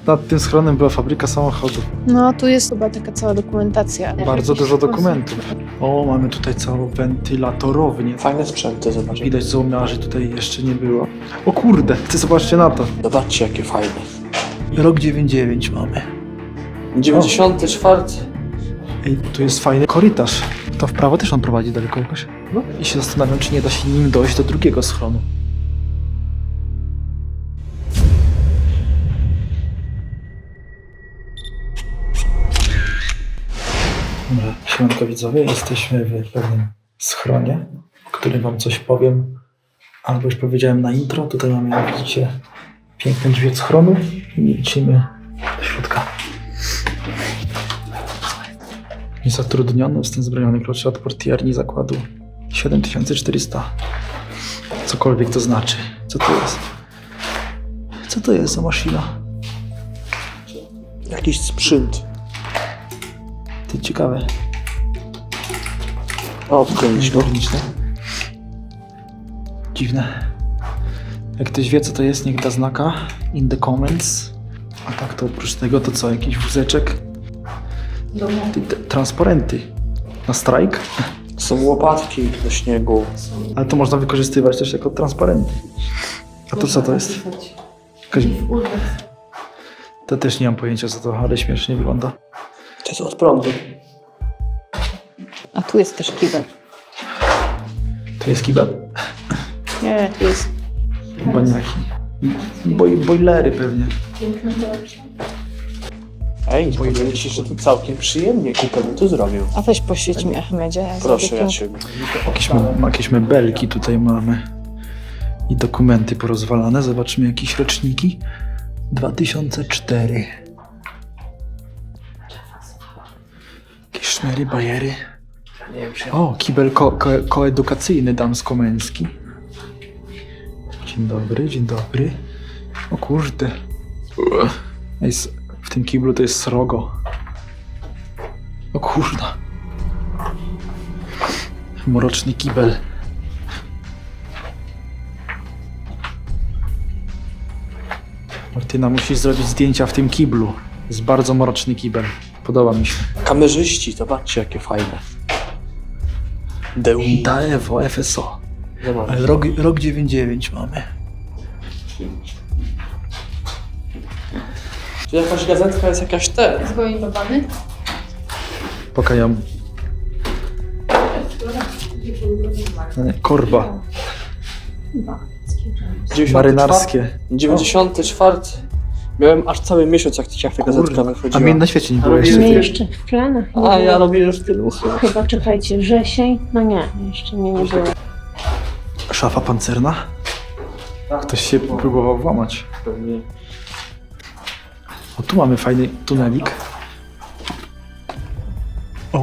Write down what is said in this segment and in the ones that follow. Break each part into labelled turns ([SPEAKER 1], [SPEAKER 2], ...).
[SPEAKER 1] Nad tym schronem była fabryka samochodów.
[SPEAKER 2] No, tu jest chyba taka cała dokumentacja.
[SPEAKER 1] Bardzo dużo dokumentów. O, mamy tutaj całą wentylatorownię.
[SPEAKER 3] Fajne sprzęty, zobaczcie.
[SPEAKER 1] Widać złomiarzy tutaj jeszcze nie było. O kurde, ty zobaczcie na to.
[SPEAKER 3] Zobaczcie, jakie fajne.
[SPEAKER 1] Rok 99 mamy.
[SPEAKER 3] 94.
[SPEAKER 1] Ej, tu jest fajny korytarz. To w prawo też on prowadzi daleko jakoś. No. I się zastanawiam, czy nie da się nim dojść do drugiego schronu. Dobra, siemanko widzowie, jesteśmy w pewnym schronie, o którym wam coś powiem. Albo już powiedziałem na intro. Tutaj mamy, jak widzicie, piękne drzwi od schronu i lecimy do środka. Niezatrudniony, wstęp zbrojony, klucze od portierni zakładu 7400. Cokolwiek to znaczy. Co to jest? Co to jest za maszyna?
[SPEAKER 3] Jakiś sprzęt.
[SPEAKER 1] Ty, ciekawe.
[SPEAKER 3] O, wkręcił.
[SPEAKER 1] Techniczne. Dziwne. Jak ktoś wie, co to jest, niech da znaka in the comments. A tak to oprócz tego to co? Jakiś wózeczek? Transparenty. Na strajk?
[SPEAKER 3] Są łopatki do śniegu.
[SPEAKER 1] Ale to można wykorzystywać też jako transparenty. A to co to jest? Jakaś... To też nie mam pojęcia co to, ale śmiesznie wygląda.
[SPEAKER 3] To jest od prądu.
[SPEAKER 2] A tu jest też kibel.
[SPEAKER 1] To jest kibel?
[SPEAKER 2] Nie, tu jest...
[SPEAKER 1] Baniaki. Bojlery pewnie.
[SPEAKER 3] Ej, powiem ci, że tu całkiem przyjemnie kupę bym tu zrobił.
[SPEAKER 2] A weź poświeć mi, Achmedzie. Ja
[SPEAKER 3] Proszę,
[SPEAKER 2] zrobię
[SPEAKER 3] ja
[SPEAKER 2] tu-
[SPEAKER 3] ciebie.
[SPEAKER 1] Jakieś mebelki tutaj mamy. I dokumenty porozwalane. Zobaczmy jakieś roczniki. 2004. Jakieś szmery, bajery. O, kibel koedukacyjny damsko-męski. Dzień dobry, dzień dobry. O kurde. W tym kiblu to jest srogo. O kurda. Mroczny kibel. Martyna, musisz zrobić zdjęcia w tym kiblu. Jest bardzo mroczny kibel. Podoba mi się.
[SPEAKER 3] Kamerzyści, zobaczcie, jakie fajne.
[SPEAKER 1] Daewo, FSO.
[SPEAKER 3] Zobacz.
[SPEAKER 1] Ale rok 99 mamy.
[SPEAKER 3] Czy jakaś gazetka jest jakaś te?
[SPEAKER 2] Zgoindowany?
[SPEAKER 1] Pokajam. Korba. Marynarskie.
[SPEAKER 3] 94. Miałem aż cały miesiąc, jak ta gazetka
[SPEAKER 1] A
[SPEAKER 3] wychodziła.
[SPEAKER 1] mnie na świecie nie było
[SPEAKER 3] robię-
[SPEAKER 1] jeszcze.
[SPEAKER 4] Nie, jeszcze w planach.
[SPEAKER 3] A ja robię już tylu.
[SPEAKER 4] Chyba czekajcie, wrzesień? No nie, jeszcze mnie nie było.
[SPEAKER 1] Szafa pancerna? Ktoś się próbował włamać.
[SPEAKER 3] Pewnie.
[SPEAKER 1] O, tu mamy fajny tunelik. O,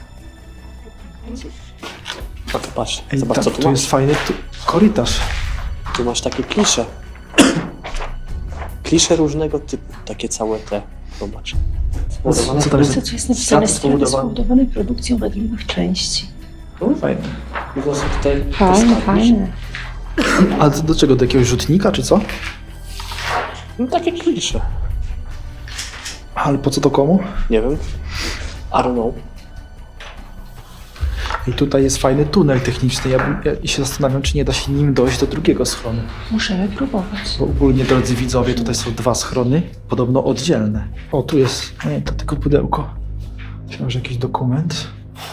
[SPEAKER 3] A tu patrz,
[SPEAKER 1] ej,
[SPEAKER 3] zobacz co tu
[SPEAKER 1] tu
[SPEAKER 3] masz.
[SPEAKER 1] jest fajny korytarz.
[SPEAKER 3] Tu masz takie klisze. Klisze różnego typu, takie całe te. Zobacz.
[SPEAKER 1] Co tam jest?
[SPEAKER 4] Co jest napisane?
[SPEAKER 3] Sad
[SPEAKER 4] Straty
[SPEAKER 3] spowodowany.
[SPEAKER 4] spowodowane produkcją wadliwych części.
[SPEAKER 1] Fajny.
[SPEAKER 3] I to są tutaj
[SPEAKER 4] Fajne,
[SPEAKER 3] te
[SPEAKER 4] fajne.
[SPEAKER 1] A do czego? Do jakiegoś rzutnika, czy co?
[SPEAKER 3] No takie klisze.
[SPEAKER 1] Ale po co to komu?
[SPEAKER 3] Nie wiem. I don't know.
[SPEAKER 1] I tutaj jest fajny tunel techniczny. Ja się zastanawiam, czy nie da się nim dojść do drugiego schronu.
[SPEAKER 4] Możemy próbować.
[SPEAKER 1] Bo ogólnie, drodzy widzowie, tutaj są dwa schrony, podobno oddzielne. O, tu jest, nie, to tylko pudełko. Myślałem, że jakiś dokument.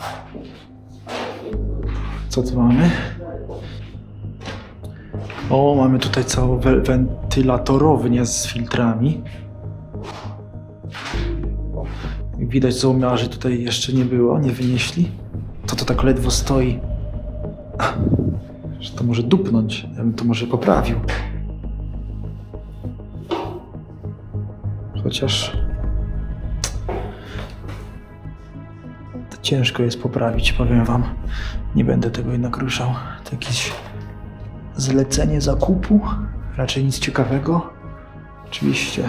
[SPEAKER 1] Co tu mamy? O, mamy tutaj całą wentylatorownię z filtrami. Jak widać, złomiarzy tutaj jeszcze nie było, nie wynieśli. To tak ledwo stoi. Że to może dupnąć. Ja bym to może poprawił. Chociaż... to ciężko jest poprawić, powiem wam. Nie będę tego jednak ruszał. To jakieś zlecenie zakupu. Raczej nic ciekawego. Oczywiście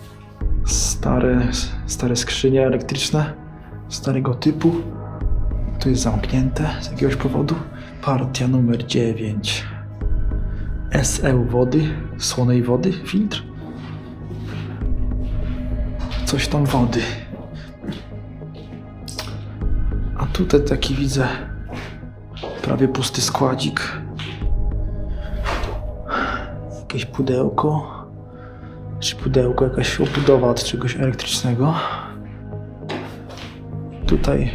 [SPEAKER 1] stare skrzynie elektryczne. Starego typu. Tu jest zamknięte z jakiegoś powodu. Partia numer 9. SE wody, słonej wody, filtr. coś tam wody. A tutaj taki widzę prawie pusty składzik. Jakieś pudełko. Czy pudełko, jakaś obudowa od czegoś elektrycznego. Tutaj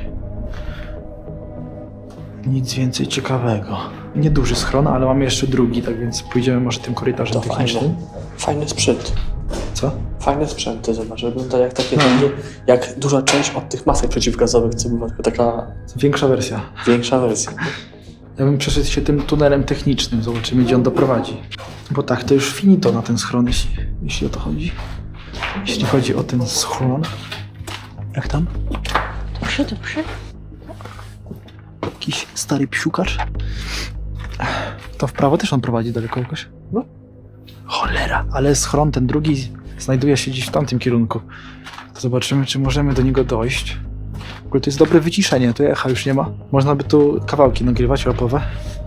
[SPEAKER 1] nic więcej ciekawego. Nieduży schron, ale mamy jeszcze drugi, tak więc pójdziemy może tym korytarzem
[SPEAKER 3] To
[SPEAKER 1] technicznym.
[SPEAKER 3] Fajny sprzęt.
[SPEAKER 1] Co?
[SPEAKER 3] Fajne sprzęty, zobacz, wygląda jak takie, jak duża część od tych masek przeciwgazowych, co była tylko taka
[SPEAKER 1] Większa wersja.
[SPEAKER 3] większa wersja.
[SPEAKER 1] Ja bym przeszedł się tym tunelem technicznym, zobaczymy gdzie on doprowadzi. Bo tak, to już finito na ten schron, jeśli o to chodzi. Jeśli chodzi o ten schron. Jak tam?
[SPEAKER 4] Dobrze, dobrze.
[SPEAKER 1] Jakiś stary psiukacz. To w prawo też on prowadzi daleko jakoś?
[SPEAKER 3] No.
[SPEAKER 1] Cholera, ale schron ten drugi znajduje się gdzieś w tamtym kierunku. To zobaczymy, czy możemy do niego dojść. W ogóle to jest dobre wyciszenie, tu echa już nie ma. Można by tu kawałki nagrywać rapowe.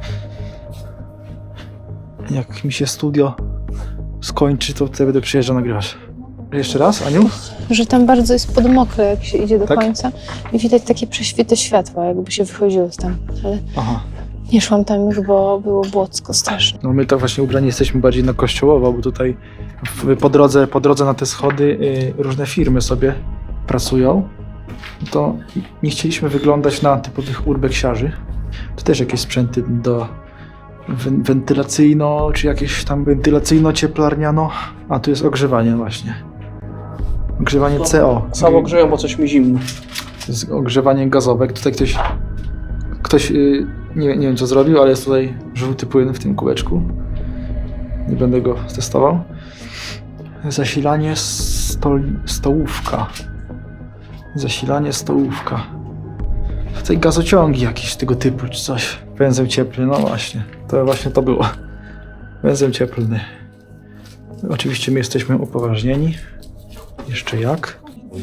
[SPEAKER 1] Jak mi się studio skończy, to wtedy będę przyjeżdżał nagrywać. Jeszcze raz, Aniu?
[SPEAKER 2] Że tam bardzo jest podmokle, jak się idzie do
[SPEAKER 1] Tak?
[SPEAKER 2] końca i widać takie prześwity światła, jakby się wychodziło tam. Ale
[SPEAKER 1] Aha.
[SPEAKER 2] nie szłam tam już, bo było błocko straszne.
[SPEAKER 1] No my tak właśnie ubrani jesteśmy bardziej na kościołowo, bo tutaj po drodze na te schody różne firmy sobie pracują. To nie chcieliśmy wyglądać na typowych urbeksiarzy. To też jakieś sprzęty do wentylacyjno, czy jakieś tam wentylacyjno-cieplarniano. A tu jest ogrzewanie właśnie. Ogrzewanie CO.
[SPEAKER 3] Samo grzeją, bo coś mi zimno.
[SPEAKER 1] To jest ogrzewanie gazowe. Tutaj ktoś nie wiem co zrobił, ale jest tutaj żółty płyn w tym kółeczku. Nie będę go testował. Zasilanie stołówka. Zasilanie stołówka. Tutaj gazociągi jakieś tego typu czy coś. Węzeł cieplny, no właśnie. To właśnie to było. Węzeł cieplny. Oczywiście my jesteśmy upoważnieni. Jeszcze jak?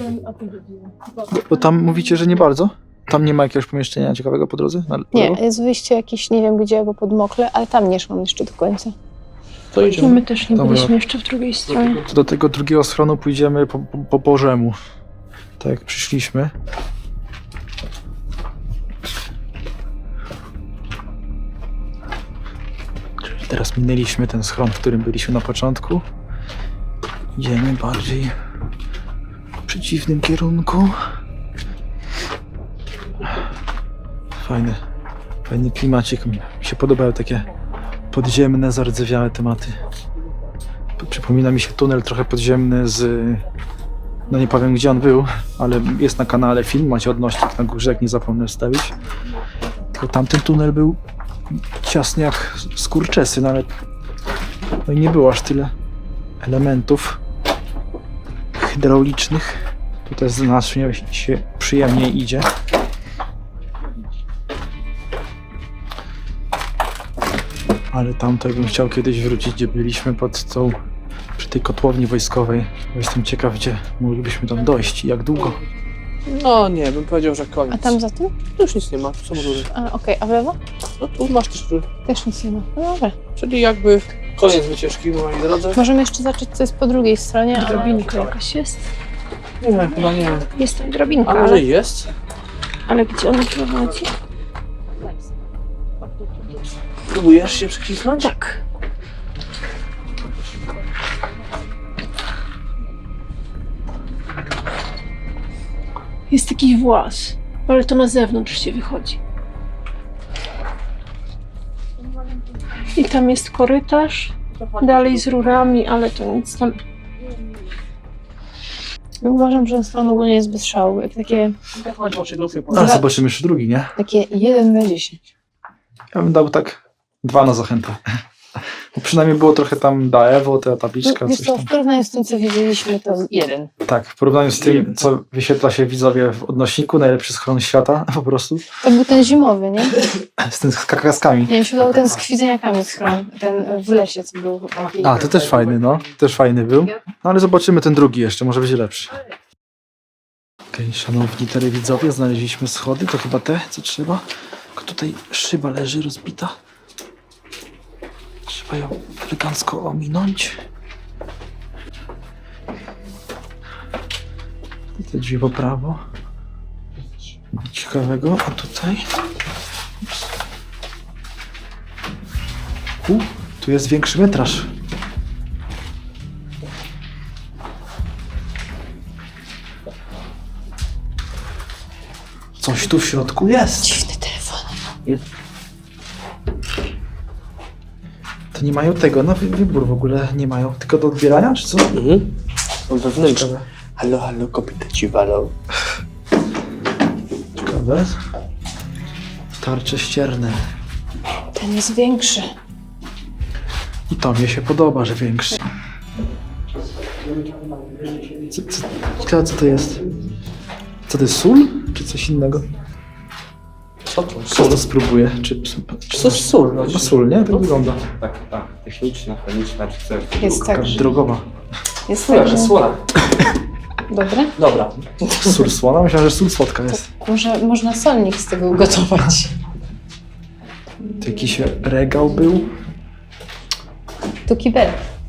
[SPEAKER 1] Bo tam mówicie, że nie bardzo? Tam nie ma jakiegoś pomieszczenia ciekawego po drodze?
[SPEAKER 2] Nie, jest wyjście jakieś, nie wiem gdzie, bo podmokle, ale tam nie szłam jeszcze do końca.
[SPEAKER 3] To
[SPEAKER 4] No
[SPEAKER 3] idziemy.
[SPEAKER 4] my też nie
[SPEAKER 1] Dobra.
[SPEAKER 4] byliśmy jeszcze w drugiej stronie.
[SPEAKER 1] To do tego drugiego schronu pójdziemy po Bożemu. Tak jak przyszliśmy. Czyli teraz minęliśmy ten schron, w którym byliśmy na początku. Idziemy bardziej w przeciwnym kierunku. Fajny klimacik. Mi się podobają takie podziemne, zardzewiałe tematy. Przypomina mi się tunel trochę podziemny z... No nie powiem gdzie on był, ale jest na kanale film, macie odnośnik na górze, jak nie zapomnę wstawić. Tylko tamten tunel był ciasny jak skurczesyn, ale no i nie było aż tyle elementów hydraulicznych. Tutaj znacznie się przyjemniej idzie. Ale tamto bym chciał kiedyś wrócić, gdzie byliśmy przy tej kotłowni wojskowej. Jestem ciekaw, gdzie moglibyśmy tam dojść i jak długo.
[SPEAKER 3] No nie, bym powiedział, że koniec.
[SPEAKER 2] A tam za tym?
[SPEAKER 3] Tu już nic nie ma, tu są rury.
[SPEAKER 2] A okej, a w lewo?
[SPEAKER 3] No tu masz też rury.
[SPEAKER 2] Też nic nie ma. No dobra.
[SPEAKER 3] Czyli jakby koniec wycieczki, moi drodzy.
[SPEAKER 2] Możemy jeszcze zacząć, co jest po drugiej stronie. ale-
[SPEAKER 4] Drabinka jakaś jest.
[SPEAKER 3] Nie, chyba nie.
[SPEAKER 4] Jest tam drabinka,
[SPEAKER 3] A może jest?
[SPEAKER 4] ale gdzie ona prowadzi?
[SPEAKER 3] Próbujesz się przekliknąć?
[SPEAKER 4] Tak. Jest jakiś włas, ale to na zewnątrz się wychodzi. I tam jest korytarz, dalej z rurami, ale to nic tam...
[SPEAKER 2] Ja uważam, że stron ogólnie jest bez szału. Jak takie
[SPEAKER 1] A zobaczymy jeszcze drugi, nie?
[SPEAKER 2] 1 na 10.
[SPEAKER 1] Ja bym dał tak 2 na zachętę. Bo przynajmniej było trochę tam Daewo, ta tabliczka,
[SPEAKER 2] Wiesz
[SPEAKER 1] coś
[SPEAKER 2] co,
[SPEAKER 1] tam.
[SPEAKER 2] w porównaniu z tym, co widzieliśmy, to 1.
[SPEAKER 1] Tak, w porównaniu z tym, co wyświetla się widzowie w odnośniku, najlepszy schron świata, po prostu.
[SPEAKER 2] To był ten zimowy, nie?
[SPEAKER 1] Z tym z kakaskami.
[SPEAKER 2] Nie wiem, się dał ten z kwidzeniakami schron. Ten w lesie, co był taki.
[SPEAKER 1] A, to też fajny, no. Też fajny był. No ale zobaczymy ten drugi jeszcze, może będzie lepszy. Okej, szanowni telewidzowie, znaleźliśmy schody, to chyba te, co trzeba. Tylko tutaj szyba leży rozbita. Trzeba ją elegancko ominąć. Te drzwi po prawo. Ciekawego, a tutaj? Tu jest większy metraż. Coś tu w środku jest.
[SPEAKER 2] Dziwny telefon.
[SPEAKER 1] To nie mają tego, na wybór w ogóle nie mają. Tylko do odbierania, czy co?
[SPEAKER 3] Mhm. Są wewnętrzne. Halo, halo, kobieta ci walą.
[SPEAKER 1] Ciekawe. Tarcze ścierne.
[SPEAKER 2] Ten jest większy.
[SPEAKER 1] I to mnie się podoba, że większy. Co to jest? Co to jest, sól? Czy coś innego?
[SPEAKER 3] Co to?
[SPEAKER 1] Co to spróbuję? Czy
[SPEAKER 3] To jest sól. No,
[SPEAKER 1] chyba sól, nie? Tak wygląda.
[SPEAKER 5] Tak. Techniczna, chemiczna, czy coś.
[SPEAKER 2] Jest tak, że...
[SPEAKER 1] Drogowa.
[SPEAKER 2] Jest tak, że...
[SPEAKER 3] Słola.
[SPEAKER 2] Dobre?
[SPEAKER 3] Dobra.
[SPEAKER 1] Sól słona? Myślałem, że sól słodka jest.
[SPEAKER 2] Może można solnik z tego ugotować.
[SPEAKER 1] To jakiś regał był.
[SPEAKER 2] Tu kibel.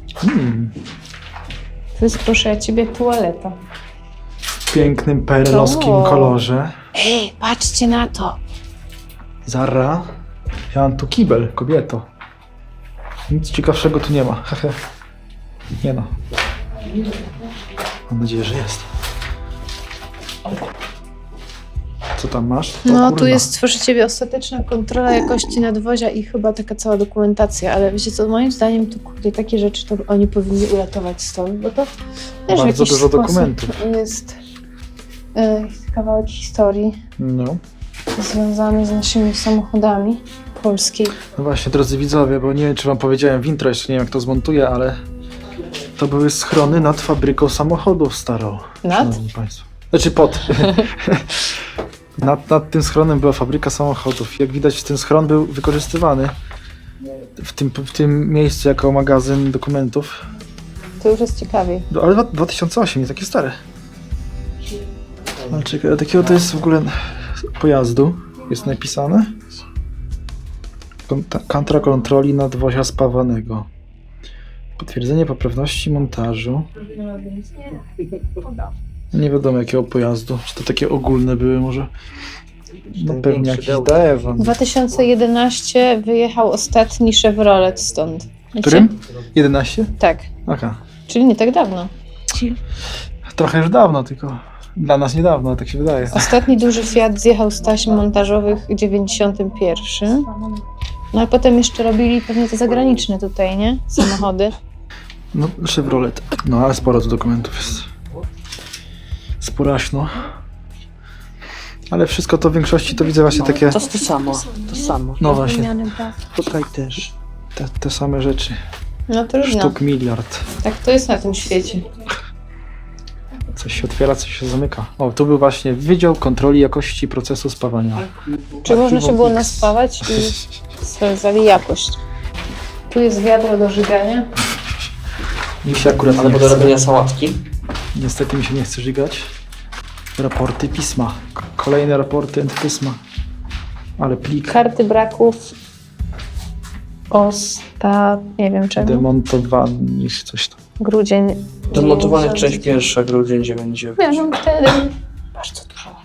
[SPEAKER 2] To jest, proszę ja ciebie, toaleta.
[SPEAKER 1] W pięknym perelowskim
[SPEAKER 2] O.
[SPEAKER 1] kolorze.
[SPEAKER 2] Ej, patrzcie na to.
[SPEAKER 1] Zara. Ja mam tu kibel, kobieto. Nic ciekawszego tu nie ma. Hehe. Nie no. Mam nadzieję, że jest. Co tam masz? O
[SPEAKER 2] No,
[SPEAKER 1] kurna.
[SPEAKER 2] tu jest, proszę ciebie, ostateczna kontrola jakości nadwozia i chyba taka cała dokumentacja, ale wiecie co, moim zdaniem to kurde, takie rzeczy to oni powinni uratować stąd, bo to też w
[SPEAKER 1] Bardzo
[SPEAKER 2] jakiś
[SPEAKER 1] dużo
[SPEAKER 2] sposób
[SPEAKER 1] dokumentów.
[SPEAKER 2] jest kawałek historii
[SPEAKER 1] No.
[SPEAKER 2] związany z naszymi samochodami polskiej.
[SPEAKER 1] No właśnie, drodzy widzowie, bo nie wiem, czy wam powiedziałem w intro, jeszcze nie wiem, jak to zmontuję, ale to były schrony nad fabryką samochodów starą.
[SPEAKER 2] Nad?
[SPEAKER 1] Szanowni Państwo. Znaczy pod. nad tym schronem była fabryka samochodów. Jak widać, ten schron był wykorzystywany w tym miejscu jako magazyn dokumentów.
[SPEAKER 2] To już jest ciekawiej.
[SPEAKER 1] Ale 2008, nie takie stare. Ale czekaj, takiego to jest w ogóle pojazdu. Jest napisane. Kantra kontroli nadwozia spawanego. Potwierdzenie poprawności montażu. Nie wiadomo jakiego pojazdu. Czy to takie ogólne były może? No pewnie jakiś Daewon.
[SPEAKER 2] 2011 wyjechał ostatni Chevrolet stąd. Wiecie?
[SPEAKER 1] Którym? 11?
[SPEAKER 2] Tak,
[SPEAKER 1] Aha.
[SPEAKER 2] czyli nie tak dawno.
[SPEAKER 1] Trochę już dawno, tylko dla nas niedawno, tak się wydaje.
[SPEAKER 2] Ostatni duży Fiat zjechał z taśm montażowych w 91. No ale potem jeszcze robili pewnie te zagraniczne tutaj, nie? Samochody.
[SPEAKER 1] No, Chevrolet. No, ale sporo tu dokumentów jest. Sporaśno. Ale wszystko to w większości to widzę właśnie takie...
[SPEAKER 3] To jest to samo. To samo.
[SPEAKER 1] No właśnie,
[SPEAKER 3] Tutaj też.
[SPEAKER 1] te same rzeczy.
[SPEAKER 2] No trudno.
[SPEAKER 1] Sztuk miliard.
[SPEAKER 2] Tak to jest na tym świecie.
[SPEAKER 1] Coś się otwiera, coś się zamyka. O, tu był właśnie Wydział Kontroli Jakości Procesu Spawania.
[SPEAKER 2] Czy można się było naspawać i sprawdzali jakość? Tu jest wiadro do żygania.
[SPEAKER 1] Mi się akurat
[SPEAKER 3] Albo
[SPEAKER 1] nie
[SPEAKER 3] do
[SPEAKER 1] chce.
[SPEAKER 3] robienia sałatki.
[SPEAKER 1] Niestety mi się nie chce żygać. Raporty pisma. Kolejne raporty pisma. Ale plik
[SPEAKER 2] Karty braków. Nie wiem czemu.
[SPEAKER 1] demontowany, niż coś tam.
[SPEAKER 2] Grudzień.
[SPEAKER 3] Demontowanie
[SPEAKER 2] 90.
[SPEAKER 3] część pierwsza, grudzień 99.
[SPEAKER 2] Miałam wtedy. Bardzo dużo.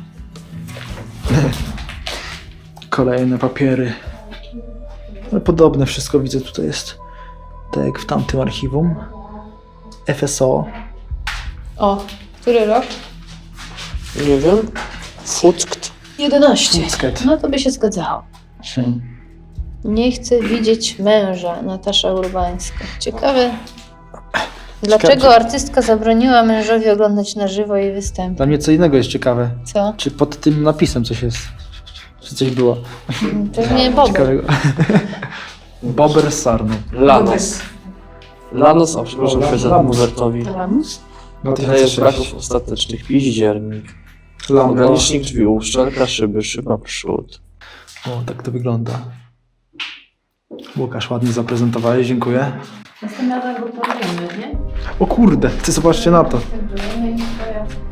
[SPEAKER 1] Kolejne papiery. Ale podobne wszystko widzę tutaj jest. Tak jak w tamtym archiwum. FSO.
[SPEAKER 2] O, który rok?
[SPEAKER 3] Nie wiem. Fuckt.
[SPEAKER 2] 11.
[SPEAKER 1] Fuckt.
[SPEAKER 2] No to by się zgadzało. Nie chcę widzieć męża, Natasza Urbańska. Ciekawe, dlaczego artystka zabroniła mężowi oglądać na żywo jej występy.
[SPEAKER 1] Dla mnie co innego jest ciekawe.
[SPEAKER 2] Co?
[SPEAKER 1] Czy pod tym napisem coś jest? Czy coś było?
[SPEAKER 2] Pewnie Bobo.
[SPEAKER 1] Ciekawego. Bober Sarno.
[SPEAKER 3] Lanos. Lanos, a przepraszam,
[SPEAKER 1] Lamus.
[SPEAKER 3] Fezemuwertowi.
[SPEAKER 2] Lamus?
[SPEAKER 3] Rejestr braków ostatecznych. Piździernik. Ogranicznik drzwi, uszczelka szyby, szyba przód.
[SPEAKER 1] O, tak to wygląda. Łukasz, ładnie zaprezentowałeś, dziękuję.
[SPEAKER 2] Następnym razem go powiemy, nie?
[SPEAKER 1] O kurde, ty zobaczcie na to.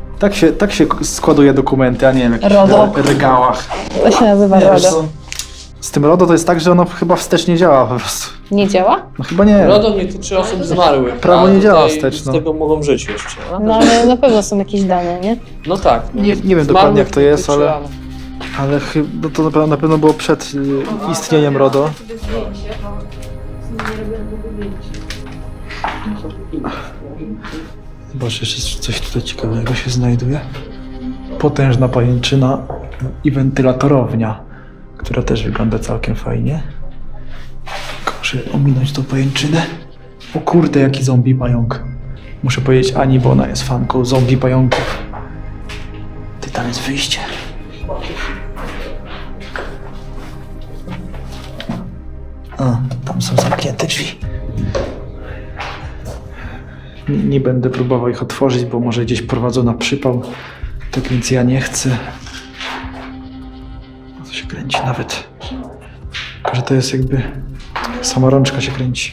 [SPEAKER 1] Tak się składuje dokumenty, a nie w jakichś
[SPEAKER 2] RODO.
[SPEAKER 1] regałach.
[SPEAKER 2] To się nazywa
[SPEAKER 1] Nie, wiesz
[SPEAKER 2] RODO.
[SPEAKER 1] co? Z tym RODO to jest tak, że ono chyba wstecznie działa po prostu.
[SPEAKER 2] Nie działa?
[SPEAKER 1] No chyba nie.
[SPEAKER 3] RODO nie tyczy osób zmarłych.
[SPEAKER 1] Prawo
[SPEAKER 3] a
[SPEAKER 1] nie działa
[SPEAKER 3] tutaj
[SPEAKER 1] wstecz, no.
[SPEAKER 3] Z tego mogą żyć jeszcze.
[SPEAKER 2] No ale na pewno są jakieś dane, nie?
[SPEAKER 3] No tak. No.
[SPEAKER 1] Nie wiem
[SPEAKER 3] Zmarłych
[SPEAKER 1] dokładnie jak to
[SPEAKER 3] nie
[SPEAKER 1] jest,
[SPEAKER 3] tyczy,
[SPEAKER 1] ale no to na pewno było przed istnieniem RODO. Zobacz, jeszcze coś tutaj ciekawego się znajduje. Potężna pajęczyna i wentylatorownia, która też wygląda całkiem fajnie. Muszę ominąć tą pajęczynę. O kurde, jaki zombie pająk. Muszę powiedzieć Ani, bo ona jest fanką zombie pająków. Ty, tam jest wyjście. A, tam są zamknięte drzwi. Nie będę próbował ich otworzyć, bo może gdzieś prowadzą na przypał. Tak więc ja nie chcę. To się kręci nawet. Tylko, że to jest jakby... Sama rączka się kręci.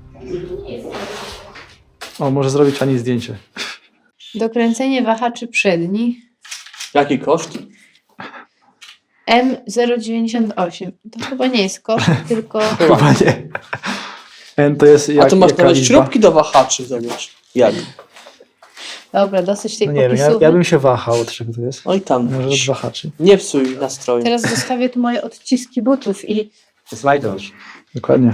[SPEAKER 1] O, może zrobić Ani zdjęcie.
[SPEAKER 2] Dokręcenie wahaczy przedni
[SPEAKER 3] Jaki koszt?
[SPEAKER 2] M098. To chyba nie jest koszt, tylko...
[SPEAKER 1] Chyba nie. N to jest
[SPEAKER 3] A
[SPEAKER 1] jak,
[SPEAKER 3] tu masz
[SPEAKER 1] jaka
[SPEAKER 3] nawet
[SPEAKER 1] liczba?
[SPEAKER 3] śrubki do wahaczy, zobacz. Jak?
[SPEAKER 2] Dobra, dosyć tej
[SPEAKER 1] No nie wiem,
[SPEAKER 2] popisówki.
[SPEAKER 1] ja bym się wahał, od czego to jest.
[SPEAKER 3] Oj tam.
[SPEAKER 1] Może od wahaczy.
[SPEAKER 3] Nie psuj nastroju.
[SPEAKER 2] Teraz zostawię tu moje odciski butów i...
[SPEAKER 5] Slajdosz.
[SPEAKER 1] Dokładnie.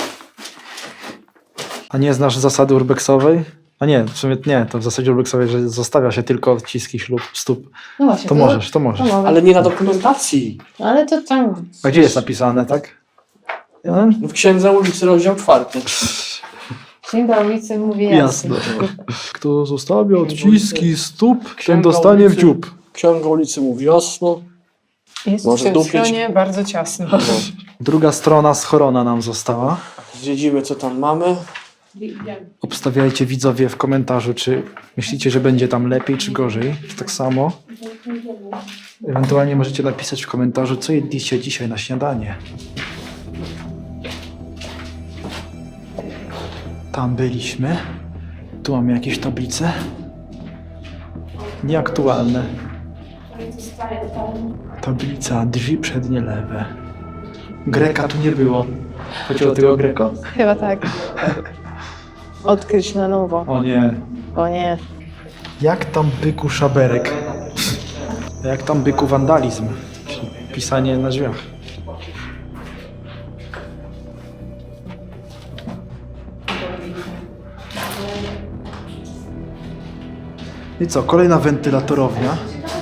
[SPEAKER 1] A nie znasz zasady urbexowej? A nie, w sumie nie, to w zasadzie urbexowej, że zostawia się tylko odciski stóp.
[SPEAKER 2] No właśnie.
[SPEAKER 1] To możesz, to
[SPEAKER 2] To
[SPEAKER 1] możesz.
[SPEAKER 2] mogę.
[SPEAKER 3] Ale nie na dokumentacji.
[SPEAKER 2] Ale to tam...
[SPEAKER 1] A gdzie jest napisane, tak? Ja?
[SPEAKER 3] W Księdze ulicy, rozdział 4.
[SPEAKER 2] Księga ulicy mówi jasno.
[SPEAKER 1] Jasne. Kto zostawia odciski stóp, ten
[SPEAKER 3] Księga
[SPEAKER 1] dostanie w
[SPEAKER 3] ulicy.
[SPEAKER 1] dziób.
[SPEAKER 3] Księga ulicy mówi jasno.
[SPEAKER 4] Jest
[SPEAKER 3] Może
[SPEAKER 4] w tym
[SPEAKER 3] dupić.
[SPEAKER 4] stronie bardzo ciasno.
[SPEAKER 1] Druga strona schorona nam została.
[SPEAKER 3] Zwiedzimy, co tam mamy.
[SPEAKER 1] Obstawiajcie widzowie w komentarzu, czy myślicie, że będzie tam lepiej, czy gorzej, czy tak samo. Ewentualnie możecie napisać w komentarzu, co jedliście dzisiaj na śniadanie. Tam byliśmy. Tu mamy jakieś tablice. Nieaktualne. Tablica, drzwi przednie lewe. Greka tu nie było. Chodzi o tego Greko?
[SPEAKER 2] Chyba tak. Odkryć na nowo.
[SPEAKER 1] O nie.
[SPEAKER 2] O nie.
[SPEAKER 1] Jak tam byku szaberek? Jak tam byku wandalizm? Czyli pisanie na drzwiach. I co, kolejna wentylatorownia.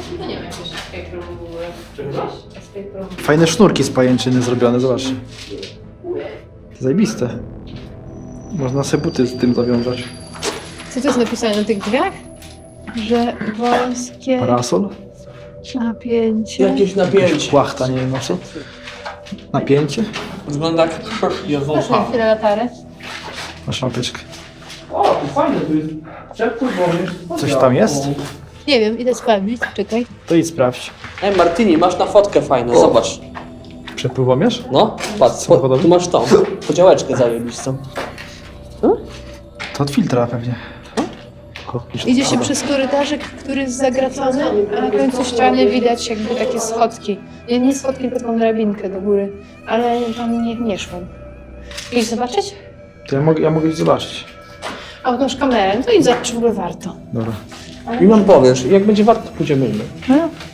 [SPEAKER 1] Fajne sznurki z pajęczyny zrobione, zobaczcie. Zajebiste. Można sobie buty z tym zawiązać.
[SPEAKER 2] Co to jest napisane na tych drzwiach? Że wąskie
[SPEAKER 1] Parasol?
[SPEAKER 2] napięcie.
[SPEAKER 3] Jakieś napięcie.
[SPEAKER 1] Płachta, nie wiem na co. Napięcie?
[SPEAKER 3] Wygląda jak
[SPEAKER 2] Proszę
[SPEAKER 3] Jezusa.
[SPEAKER 2] chwilę latarę.
[SPEAKER 1] Masz lampeczkę.
[SPEAKER 3] O, fajne tu jest. Przepływ wody.
[SPEAKER 1] Coś tam jest?
[SPEAKER 2] Nie wiem, idę sprawdzić. Czekaj.
[SPEAKER 1] To idź sprawdź.
[SPEAKER 3] Ej, Martini, masz na fotkę fajną, zobacz.
[SPEAKER 1] Przepływomierz?
[SPEAKER 3] No, patrz,
[SPEAKER 1] Samochodowy?
[SPEAKER 3] tu masz tą podziałeczkę zajebistą.
[SPEAKER 1] To od filtra pewnie. O,
[SPEAKER 2] Idzie się przez korytarzyk, który jest zagracony, a na końcu ściany widać jakby takie schodki. Nie schodki, tylko taką drabinkę do góry. Ale tam nie szłam. Idź zobaczyć?
[SPEAKER 1] To ja mogę iść zobaczyć.
[SPEAKER 2] A masz kamerę, no to idź zobaczyć, w ogóle warto.
[SPEAKER 1] Dobra.
[SPEAKER 3] I nam powiesz, jak będzie warto, pójdziemy.
[SPEAKER 2] No.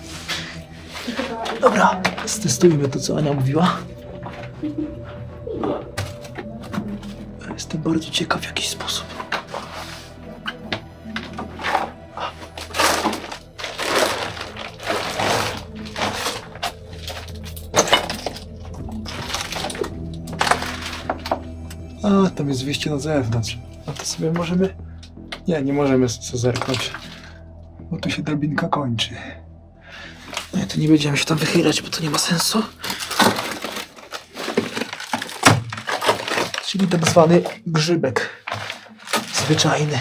[SPEAKER 1] Dobra, stestujmy to, co Ania mówiła. Jestem bardzo ciekaw w jakiś sposób. A, tam jest wyjście na zewnątrz. A to sobie możemy... Nie możemy sobie zerknąć. Bo tu się drabinka kończy. No to nie będziemy się tam wychylać, bo to nie ma sensu. Czyli tak zwany grzybek. Zwyczajny.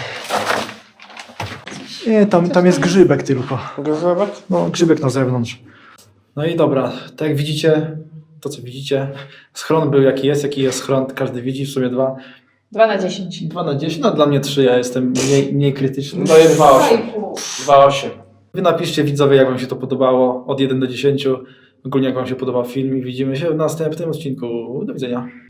[SPEAKER 1] Nie, tam jest grzybek tylko.
[SPEAKER 3] Grzebek?
[SPEAKER 1] No, grzybek na zewnątrz. No i dobra, tak jak widzicie, to co widzicie, schron był jaki jest schron, każdy widzi, w sumie 2.
[SPEAKER 2] 2 na 10.
[SPEAKER 1] 2 na 10, no dla mnie 3, ja jestem mniej krytyczny.
[SPEAKER 3] Daję 2,8. 2,8.
[SPEAKER 1] Wy napiszcie widzowie, jak wam się to podobało, od 1 do 10. ogólnie jak wam się podobał film i widzimy się w następnym odcinku. Do widzenia.